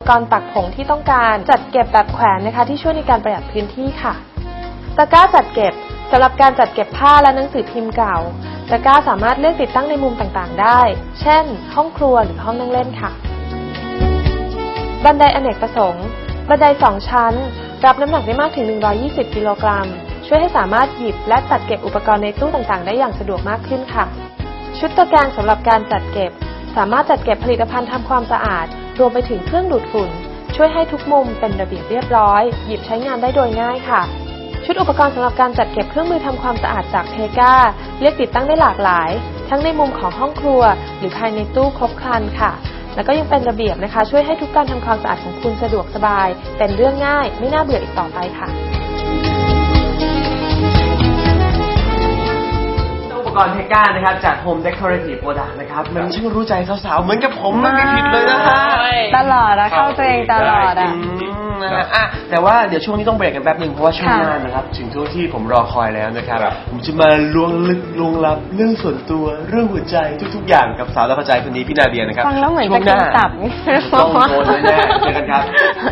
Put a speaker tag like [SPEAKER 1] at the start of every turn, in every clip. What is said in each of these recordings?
[SPEAKER 1] ก่อนตักผงที่ต้องการจัดเก็บแบบแขวนนะคะที่ช่วยในการประหยัดพื้นที่ค่ะตะกร้าจัดเก็บสำหรับการจัดเก็บผ้าและหนังสือพิมพ์เก่าตะกร้าสามารถเลือกติดตั้งในมุมต่างๆได้เช่นห้องครัวหรือห้องนั่งเล่นค่ะบันไดอเนกประสงค์บันได2ชั้นรับน้ำหนักได้มากถึง120กิโลกรัมช่วยให้สามารถหยิบและจัดเก็บอุปกรณ์ในตู้ต่างๆได้อย่างสะดวกมากขึ้นค่ะชุดตะแกรงสำหรับการจัดเก็บสามารถจัดเก็บผลิตภัณฑ์ทำความสะอาดรวมไปถึงเครื่องดูดฝุ่นช่วยให้ทุกมุมเป็นระเบียบเรียบร้อยหยิบใช้งานได้โดยง่ายค่ะชุดอุปกรณ์สำหรับการจัดเก็บเครื่องมือทำความสะอาดจากเพกาเลือกติดตั้งได้หลากหลายทั้งในมุมของห้องครัวหรือภายในตู้ครบครันค่ะแล้วก็ยังเป็นระเบียบนะคะช่วยให้ทุกการทำความสะอาดของคุณสะดวกสบายเป็นเรื่องง่ายไม่น่าเบื่ออีกต่อไปค่ะ
[SPEAKER 2] อุปกรณ์เพกานะครับจาก Home Decorative Product นะครับมันช่างรู้ใจสาวๆเหมือนกับผมมันไม่ผิดเลยนะฮะ
[SPEAKER 3] ตลอดอะเข้าตัวเองตลอดอะ
[SPEAKER 2] แต่ว่าเดี๋ยวช่วงนี้ต้องเบรกกันแป๊บนึงเพราะว่าช่วงหน้านะครับถึงช่วงที่ผมรอคอยแล้วนะครับผมจะมาล้วงลึกล้วงลับเรื่องส่วนตัวเรื่องหัวใจทุกๆอย่างกับสาวรักหัวใจคนนี้พี่นาเดียนะครับ
[SPEAKER 3] ฟังแล้วเหมือนจะกินตับ
[SPEAKER 2] ต้องโดนแน่เจอกันครับ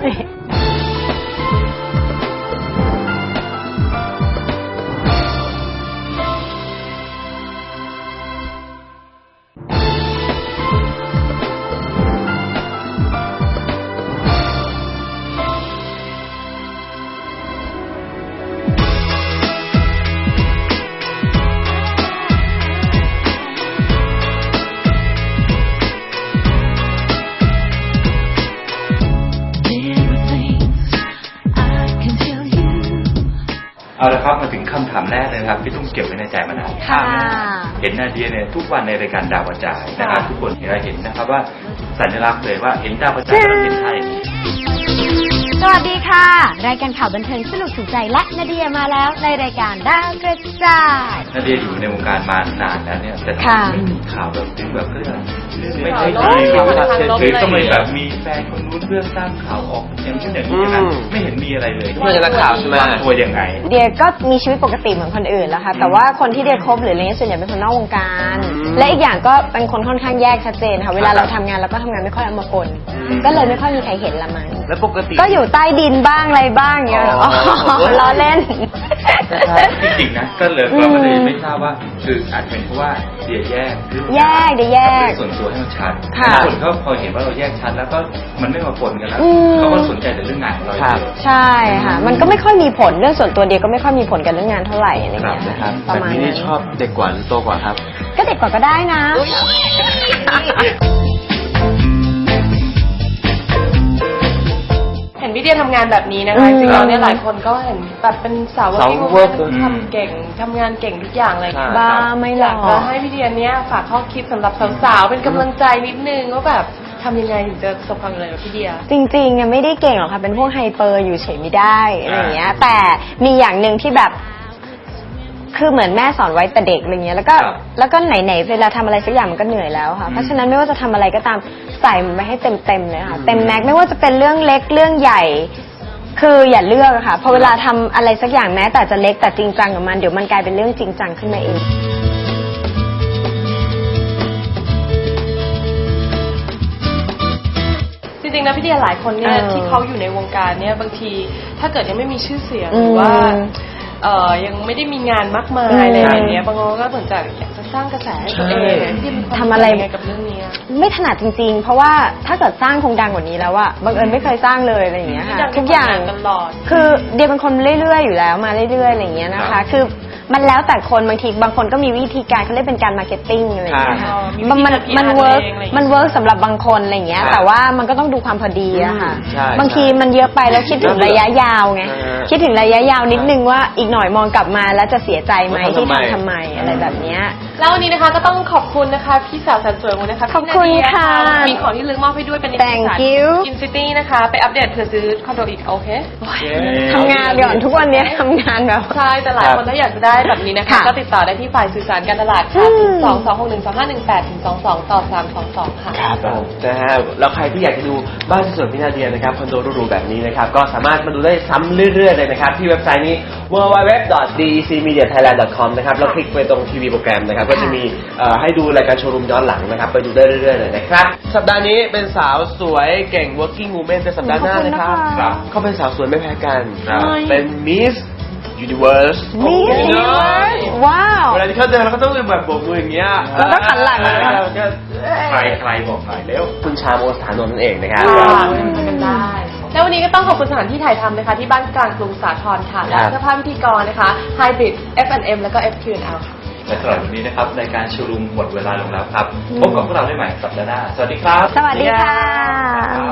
[SPEAKER 4] เอาละครับมาถึงคำถามแรกเลยครับที่ต้องเก็บไว้ในใจมานานเห็นนาเดียเนี่ยทุกวันในรายการดาวกระจายนะครับทุกคนเห็นนะครับว่าสัญลักษณ์เลยว่าเห็นดาวกระจายเราเห็นไทย
[SPEAKER 3] สวัสดีค่ะรายการข่าวบันเทิงสนุกสุขใจและนาเดียมาแล้วในรายการดาวกระจาย
[SPEAKER 4] นาเดียอยู่ในวงการมานานแล้วเนี่ยแต่ไม่มีข่าวแบบถึงแบบเรื่องไม่เคยมีหรือต้องเลยแบบมีแฟนคนนู้นเรื่องสร้างข่าวออกอย่างเช่นอย่างนี้นะไม่เห็นมีอะไรเลย
[SPEAKER 2] เพื่อนนักข่าวใช่ไหม
[SPEAKER 4] ตัวยังไง
[SPEAKER 3] เดียก็มีชีวิตปกติเหมือนคนอื่นแล้วค่ะแต่ว่าคนที่เดียคบหรืออะไรเงี้ยส่วนใหญ่เป็นคนนอกวงการและอีกอย่างก็เป็นคนค่อนข้างแยกชัดเจนค่ะเวลาเราทำงานเราก็ทำงานไม่ค่อยเอามาปนก็เลยไม่ค่อยมีใครเห็นละมั้ง
[SPEAKER 2] แล้วปกติ
[SPEAKER 3] ก็อยู่ใต้ดินบ้างอะไรบ้างเงี้ยล้อเล่น
[SPEAKER 4] จริงๆนะก็เลยก็ไม่ทราบว่าคืออาจเป็นเพราะว่าเดียแยกส่วนตัวให้มันชัดคนก็พอเห็นว่าเราแยกชัดแล้วก็มันไม่มาปนกันแล้วเขาก็สนใจแต่เรื่องงานของเรา
[SPEAKER 3] ใช่ค่ะมันก็ไม่ค่อยมีผลเรื่องส่วนตัวเดียก็ไม่ค่อยมีผลกับเรื่องงานเท่าไหร่อะไรเงี้ย
[SPEAKER 2] ประมาณนี้ชอบเด็กกว่าหรือโตกว่าครับ
[SPEAKER 3] ก็เด็กกว่าก็ได้นะ
[SPEAKER 1] เห็นพี่เดียทำงานแบบนี้นะคะจริงๆแล้วเนี่ยหลายคนก็เห็นแบบเป็นสาวทำเก่งทำงานเก่งทุกอย่างเลย
[SPEAKER 3] บ้าไม่หรอก
[SPEAKER 1] จะให้พี่เดียเนี่ยฝากข้อคิดสำหรับสาวๆเป็นกำลังใจนิดนึงว่าแบบทำยังไงถึงจะประสบความสำเร็จแบบพี่เดีย
[SPEAKER 3] จริงๆเนี่ยไม่ได้เก่งหรอกค่ะเป็นพวกไฮเปอร์อยู่เฉยไม่ได้อะไรอย่างเงี้ยแต่มีอย่างหนึ่งที่แบบคือเหมือนแม่สอนไว้แต่เด็กอะไรเงี้ยแล้วก็ไหนๆเวลาทำอะไรสักอย่างมันก็เหนื่อยแล้วค่ะเพราะฉะนั้นไม่ว่าจะทำอะไรก็ตามใส่มันไปให้เต็มเลยค่ะเต็มแม็กไม่ว่าจะเป็นเรื่องเล็กเรื่องใหญ่คืออย่าเลือกค่ะพอเวลาทำอะไรสักอย่างแม้แต่จะเล็กแต่จริงจังกับมันเดี๋ยวมันกลายเป็นเรื่องจริงจังขึ้นมาเอง
[SPEAKER 1] จริงๆนะพี่เดียหลายคนเนี่ยที่เขาอยู่ในวงการเนี่ยบางทีถ้าเกิดยังไม่มีชื่อเสียงหรือว่ายังไม่ได้มีงานมากมายอะไรอย่างเงี้ยบางคนก็เหมือนจะอยากจะสร้างกระแสให้ตัวเองที่
[SPEAKER 3] ทำอะไร
[SPEAKER 1] กับเรื่องนี้
[SPEAKER 3] ไม่ถนัดจริงๆเพราะว่าถ้าเกิดสร้างคงดังกว่านี้แล้วอะบังเอิญไม่เคยสร้างเลยอะไรอย่างเงี้ยค่ะทุกอย่างคือเดียเป็นคนเรื่อยๆอยู่แล้วมาเรื่อยๆอะไรอย่างเงี้ยนะคะคือมันแล้วแต่คนบางทีบางคนก็มีวิธีการเขาเรียกเป็นการมาร์เก็ตติ้งอะไรอย่างเงี้ยค่ะมันเวิร์กสำหรับบางคนอะไรอย่างเงี้ยแต่ว่ามันก็ต้องดูความพอดีอะค่ะบางทีมันเยอะไปแล้วคิดถึงระยะยาวไงคิดถึงระยะยาวนิดนึงว่าอีกหน่อยมองกลับมาแล้วจะเสียใจไหมที่ทำไมอะไรแบบเนี้ย
[SPEAKER 1] แล้ววันนี้นะคะก็ต้องขอบคุณนะคะพี่สาวแสนสวยของนะคะ
[SPEAKER 3] ขอบคุณค่ะ
[SPEAKER 1] มีของที่ลึกมอบให้ด้วยเป็น
[SPEAKER 3] Thank you
[SPEAKER 1] Infinity นะคะไปอัปเดตเผื่อซื้อคอนโดอีกโอเค
[SPEAKER 3] ทำงานก่อนทุกวันนี้ทำงานแบบ
[SPEAKER 1] ใช่แต่หลายคนถ้าอยากจะได้แบบนี้นะคะก็ติดต่อได้ที่ฝ่ายสื่อสารการตลาดค่ะ2261251ถึง22 ค่ะ
[SPEAKER 2] ครับนะฮะแล้วใครที่อยากจะดูบ้านสวยๆพี่นาเดียนะครับคอนโดหรูๆแบบนี้นะครับก็สามารถมาดูได้ซ้ำเรื่อยๆเลยนะครับที่เว็บไซต์นี้ www.decmediathailand.com นะครับแล้วคลิกไปตรงทีวีโปรแกรมนะครับก็จะมีให้ดูรายการโชว์รูมย้อนหลังนะครับไปดูได้เรื่อยๆเลยนะครับสัปดาห์นี้เป็นสาวสวยเก่ง working woman แต่สัปดาห์หน้านะครับ
[SPEAKER 4] ครับ
[SPEAKER 2] เขาเป็นสาวสวยไม่แพ้กัน
[SPEAKER 4] ครับ
[SPEAKER 2] เป็น Miss Universe
[SPEAKER 3] Miss Universe ว้าว
[SPEAKER 2] เวลาที่เขาเดินเราก็ต้องแบบโบกมืออย่างเงี้ย
[SPEAKER 3] แล้วก็หันหลังเลย
[SPEAKER 2] แล้วก็
[SPEAKER 4] ใครบอกหน่อยเร็ว
[SPEAKER 2] คุณชาโมสถานนท์นั่นเองนะครับ
[SPEAKER 1] กันได้ แล้ววันนี้ก็ต้องขอบคุณสถานที่ถ่ายทำนะคะที่บ้านกลางกรุงสาทรค่ะ และเสื้อผ้าพิธีกรนะคะ Hybrid F&M แล้วก็ FQ&L ค่ะ
[SPEAKER 4] และสำหรับวันนี้นะครับรายการชูรูมหมดเวลาลงแล้วครับพบกับพวกเราได้ใหม่สัปดาห์หน้าสวัสดีครับ
[SPEAKER 3] สวัสดีค่ะ